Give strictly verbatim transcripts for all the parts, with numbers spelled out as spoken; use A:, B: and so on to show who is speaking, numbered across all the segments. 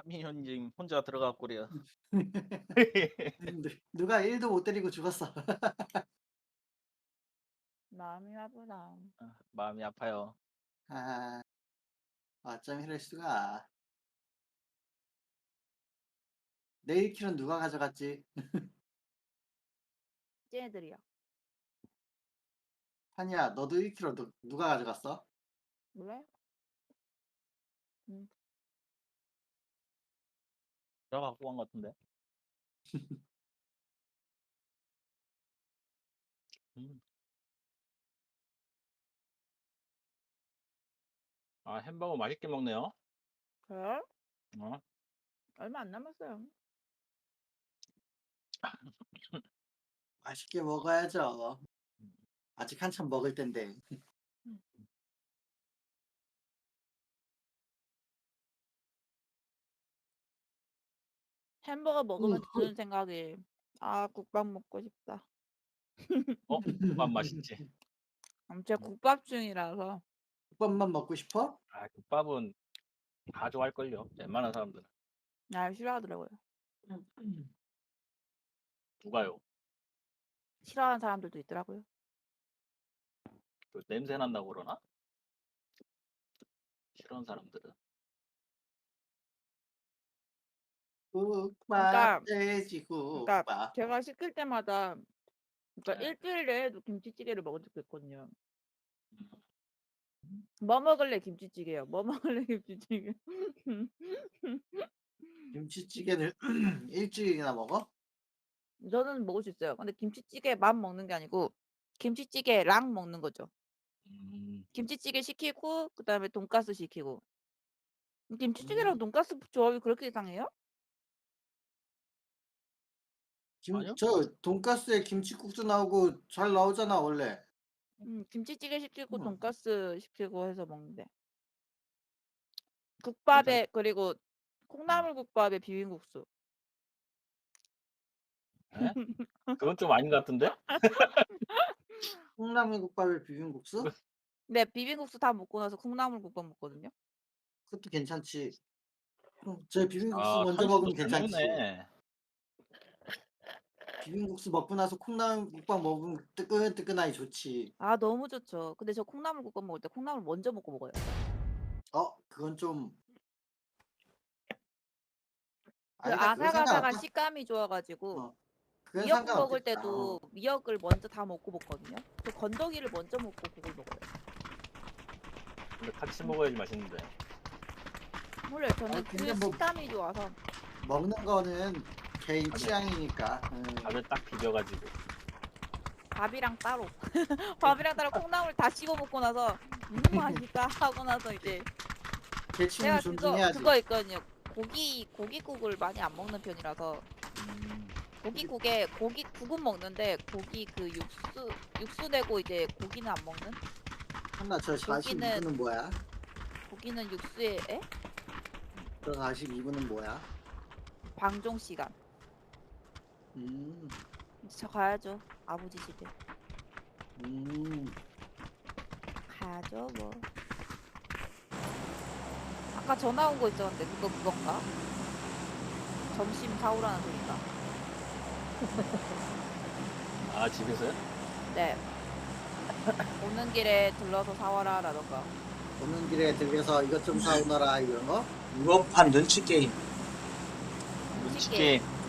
A: 민현님 혼자 들어갔구려.
B: 누 누가 일도 못 때리고 죽었어.
C: 마음이 아프다.
A: 아 마음이 아파요.
B: 아. 어쩜 이럴 수가. 내 일 킬은 누가 가져갔지?
C: 쟤네들이요.
B: 한이야, 너도 일 킬로 누 누가 가져갔어?
C: 몰라요? 음.
A: 제가 갖고 간 것 같은데. 음. 아 햄버거 맛있게 먹네요.
C: 그래요?
A: 어.
C: 얼마 안 남았어요.
B: 맛있게 먹어야죠.
A: 음.
B: 아직 한참 먹을 텐데.
C: 음. 햄버거 먹으면 드는 생각이 아 국밥 먹고 싶다.
A: 어 국밥 맛있지.
C: 음 제가 국밥 중이라서.
B: 국밥만 먹고 싶어?
A: 아 국밥은 다 좋아할걸요. 웬만한 사람들은.
C: 아 싫어하더라고요.
A: 누가요?
C: 싫어하는 사람들도 있더라고요.
A: 그 냄새 난다고 그러나? 싫어하는 사람들은.
B: 국밥
C: 그러니까 그러니까
B: 돼지국밥.
C: 제가 시킬 때마다 그러니까
A: 네.
C: 일주일 내에도 김치찌개를 먹은 적도 있거든요.
A: 음.
C: "뭐 먹을래?" 김치찌개요. "뭐 먹을래?" 김치찌개.
B: 김치찌개를 일주일이나 먹어?
C: 저는 먹을 수 있어요. 근데 김치찌개만 먹는 게 아니고 김치찌개랑 먹는 거죠.
A: 음.
C: 김치찌개 시키고 그다음에 돈까스 시키고. 김치찌개랑
B: 음.
C: 돈까스 조합이 그렇게 이상해요?
B: 김
A: 아니요.
B: 저 돈가스에 김치국수 나오고 잘 나오잖아 원래.
C: 음 김치찌개 시키고
B: 음.
C: 돈까스 시키고 해서 먹는데.
A: 괜찮
C: 국밥에 그리고
A: 음.
C: 콩나물국밥에 비빔국수.
A: 예? 그건 좀 아닌 것 같은데?
B: 콩나물국밥에 비빔국수?
C: 네. 비빔국수 다 먹고 나서 콩나물국밥 먹거든요.
B: 그것도 괜찮지. 음 저 비빔국수
A: 아
B: 먼저
A: 한식도
B: 먹으면
A: 잘
B: 괜찮지.
A: 먹네.
B: 비빔국수 먹고 나서 콩나물국밥 먹으면 뜨끈뜨끈하니 좋지.
C: 아 너무 좋죠. 근데 저 콩나물국밥 먹을 때 콩나물 먼저 먹고 먹어요.
B: 어 그건 좀
C: 그
B: 아니다. 그건
C: 아삭아삭한
B: 상관없다.
C: 식감이 좋아 가지고
B: 어. 그건
C: 미역국 먹을
B: 상관없겠다.
C: 때도
B: 어.
C: 미역을 먼저 다 먹고 먹거든요. 저 건더기를 먼저 먹고 국을 먹어요.
A: 근데 같이
C: 음.
A: 먹어야지 맛있는데.
C: 몰라요.
B: 아
C: 저는
B: 근데
C: 그
B: 뭐
C: 식감이 좋아서.
B: 먹는 거는 개인
A: 밥에
B: 취향이니까. 음.
A: 밥에 딱 비벼 가지고.
C: 밥이랑 따로. 밥이랑 따로 콩나물 다 씹어 먹고 나서 '음 맛있다.' 하고 나서 이제
B: 개취는
C: 제가 그거
B: 존중해야지.
C: 그거 있거든요. 고기 고깃국을 많이 안 먹는 편이라서
A: 음.
C: 고깃국에 고깃국은 먹는데 고기 그 육수 육수 내고 이제 고기는 안 먹는?
B: 한나 저 사십이
C: 고기는
B: 분은 뭐야?
C: 고기는 육수에 에?
B: 저 사십이 분은 뭐야?
C: 방종 시간.
B: 음.
C: 이제 저 가야죠. 아버지 집에.
B: 음.
C: 가야죠 뭐. 아까 전화 온 거 있었는데 그거 그건가? 점심 사오라는 소린가?
A: 아 집에서요?
C: 네. 오는 길에 들러서 사와라라던가.
B: 오는 길에 들려서 이것 좀 사오너라 이런 거?
D: 무겁한 눈치 게임.
C: 눈치
A: 눈치
C: 게임.
A: 게임.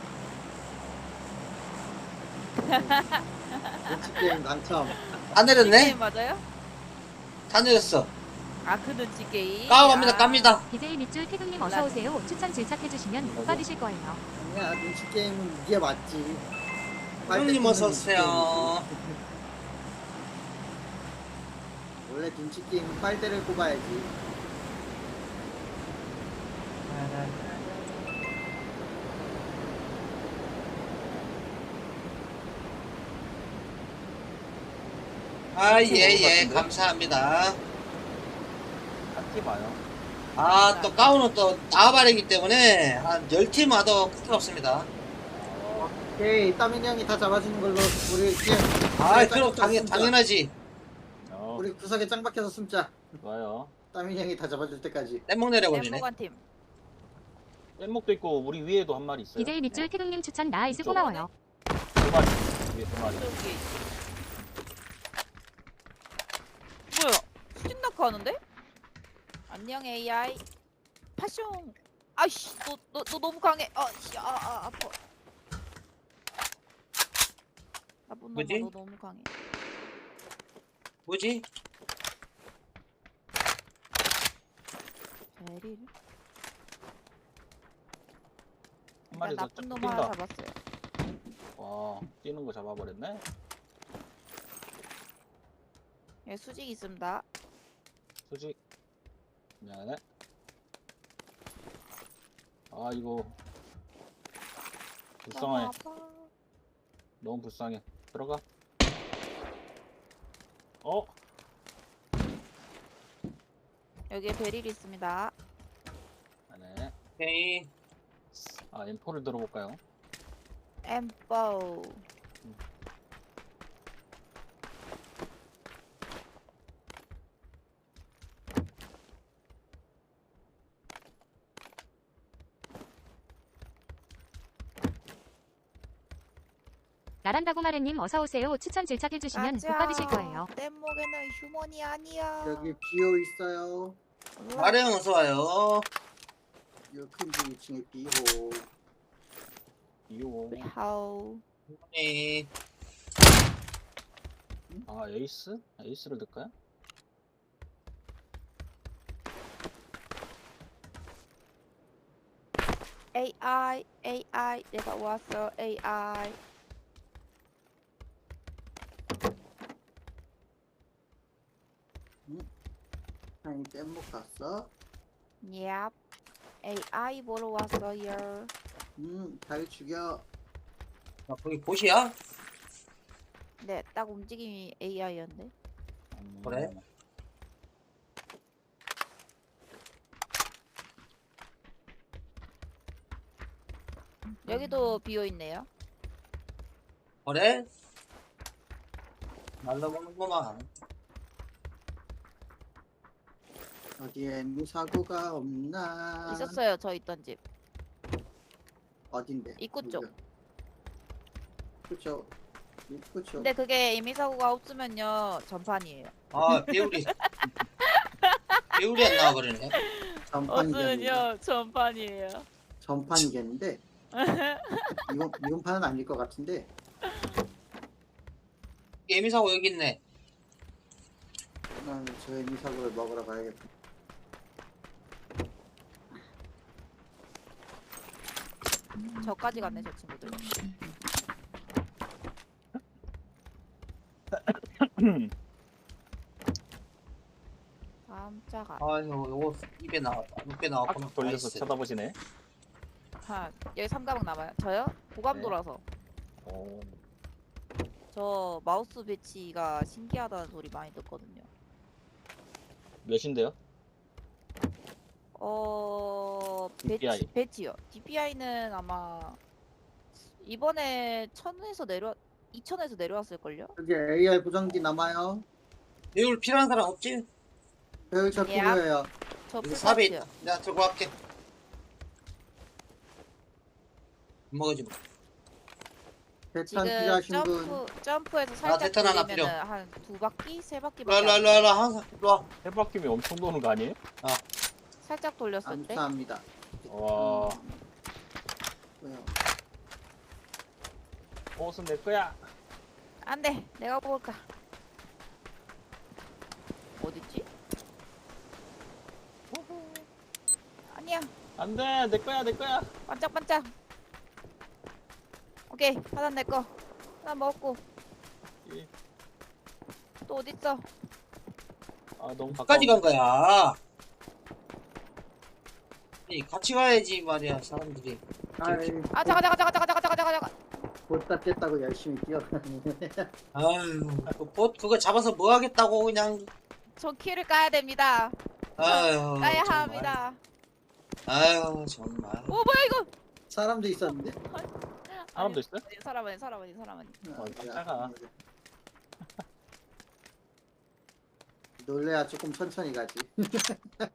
B: 눈치 게임 당첨.
D: 다
C: 눈치
D: 내렸네?
C: 게임 맞아요?
D: 다 내렸어.
C: 아 그 눈치 게임?
D: 까갑니다,
C: 아.
D: 깝니다.
E: 비제이 밑줄 태극님
C: 몰랐네.
E: 어서오세요. 추천 질착해주시면 못 받으실 거예요.
B: 아니야 눈치 게임은 이게 맞지.
D: 형님
B: 빨대
D: 어서오세요.
B: 꽂는 눈치 게임이지. 원래 눈치 게임은 빨대를 꼽아야지.
D: 아, 예,
A: 먹은 것
D: 예,
A: 같은데?
D: 감사합니다.
A: 한 팀 와요.
D: 아, 또 가운은 또 나와바리기 때문에 한 열 팀 와도 크게 없습니다.
B: 오케이 따민 형이 다 잡아주는 걸로 우리 그냥
D: 아,
B: 구석에
D: 그럼
B: 짱
D: 당연,
B: 숨자.
D: 당연하지.
A: 어
B: 우리 구석에 짱 박혀서 숨자.
A: 좋아요.
B: 따민 형이 다 잡아줄 때까지.
D: 뗏목 내려버리네.
C: 엠모간 팀.
A: 뗏목도 있고 우리 위에도 한 마리 있어요.
E: 디제이 밑줄 태극님 추천 나이스
A: 이쪽.
E: 고마워요.
A: 두 마리. 위에 두 마리.
C: 저기 뭐야? 수직 낙하하는데? 안녕 에이아이. 파숑. 아이씨, 너 너 너 너무 강해. 아씨, 아, 아 아파. 나쁜 놈아,
D: 뭐지?
C: 너 너무 강해.
D: 뭐지?
C: 베리를?
A: 한 마리
C: 일단
A: 더
C: 나쁜
A: 쭉
C: 놈 하나
A: 뛴다.
C: 잡았어요.
A: 와, 뛰는 거 잡아버렸네.
C: 예, 수직 있습니다.
A: 수직. 미안해. 아, 이거 불쌍해.
C: 너무 아파.
A: 너무 불쌍해. 들어가. 어?
C: 여기에 베릴 있습니다.
A: 네.
D: 오케이.
A: 아, 엠포를 들어볼까요?
C: 엠포.
E: 나란다고 마르님 어서 오세요. 추천 질착해주시면 복 받으실 거예요.
C: 내 목에는 휴먼이 아니야.
B: 여기 비오 있어요.
D: 마령 어서 와요.
B: 여기 큰집 이 층에 비오.
A: 이오.
C: 하우.
D: 네.
A: 아, 에이스? 에이스를 넣을까요?
C: 에이아이, 에이아이, 내가 왔어, 에이아이.
B: 아니 뗏목 갔어.
C: 얍. 에이아이 보러 왔어요.
B: 음, 잘 죽여.
D: 아, 거기 보시야?
C: 네, 딱 움직임이 에이아이였는데.
A: 음,
D: 그래?
C: 여기도 비어 있네요.
D: 그래? 날라먹는구만.
B: 어디엔 사고가 없나?
C: 있었어요, 저 있던 집.
B: 어딘데?
C: 입구 쪽.
B: 그쵸. 입구 쪽.
C: 근데 그게 이미 사고가 없으면요, 전판이에요.
D: 아, 배우리. 배우리 안 나와버리네.
B: 전판이겠는데.
C: 전판이에요.
B: 전판이겠는데. 이건 이건 판은 아닐 것 같은데.
D: 예미사고 여기 있네.
B: 난 저 에미사고를 먹으러 가야겠다.
C: 저까지 갔네, 저 친구들. 깜짝아.
D: 아유, 요거 입에 나왔다. 입에 나왔구나.
A: 딱 돌려서
D: 나이스.
A: 쳐다보시네.
C: 하, 여기 삼가방 남아요. 저요? 고감
A: 네.
C: 돌아서.
A: 오.
C: 저 마우스 배치가 신기하다는 소리 많이 듣거든요.
A: 몇인데요?
C: 어,
A: 디피아이.
C: 배치, 배치요. 디피아이는 아마 이번에 천에서 내려, 이천에서 내려왔을걸요?
B: 여기 에이알 보정기 남아요.
D: 배울 필요한 사람 없지?
B: 배울 저
C: 예.
B: 필요해요.
C: 저
D: 여기 삽에
C: 풀파츠요.
D: 있다. 내가 들고 갈게. 먹어지 뭐.
B: 대탄
C: 지금
B: 필요하신 분.
C: 점프, 점프해서
D: 아,
C: 살짝
D: 대탄 하나
C: 돌리면은 한 두 바퀴? 세
D: 일로
C: 바퀴밖에
D: 와, 일로 와,
C: 안
D: 일로 와, 일로
C: 돌아요.
D: 와. 항상 일로 와.
A: 해바퀴면 엄청 도는 거 아니에요?
C: 살짝 돌렸을 때
B: 감사합니다.
A: 와,
B: 뭐요?
A: 옷은 내 거야.
C: 안돼, 내가 볼까. 어딨지? 아니야,
A: 안 돼, 내 거야, 내 거야.
C: 반짝반짝. 오케이, 하나 내 거. 하나 먹었고.
A: 이,
C: 또 어딨어?
A: 아, 너무 가까워.
D: 어디까지 간 거야? 이 같이 가야지 말이야, 사람들이.
B: 아이,
C: 아 잠깐 잠깐 잠깐 잠깐 잠깐 잠깐 잠깐.
B: 보다 깼다고 열심히 뛰어다니네.
D: 아유, 그 봇 그거 잡아서 뭐 하겠다고 그냥.
C: 저 키를 까야 됩니다.
D: 아유,
C: 까야
D: 정말.
C: 합니다.
D: 아유, 정말.
C: 오 뭐야 이거?
B: 사람도 있었는데.
A: 사람도 있어요?
C: 아니, 사람 아니 사람 아니 사람 아니.
A: 어, 깜짝아.
B: 놀래야 조금 천천히 가지.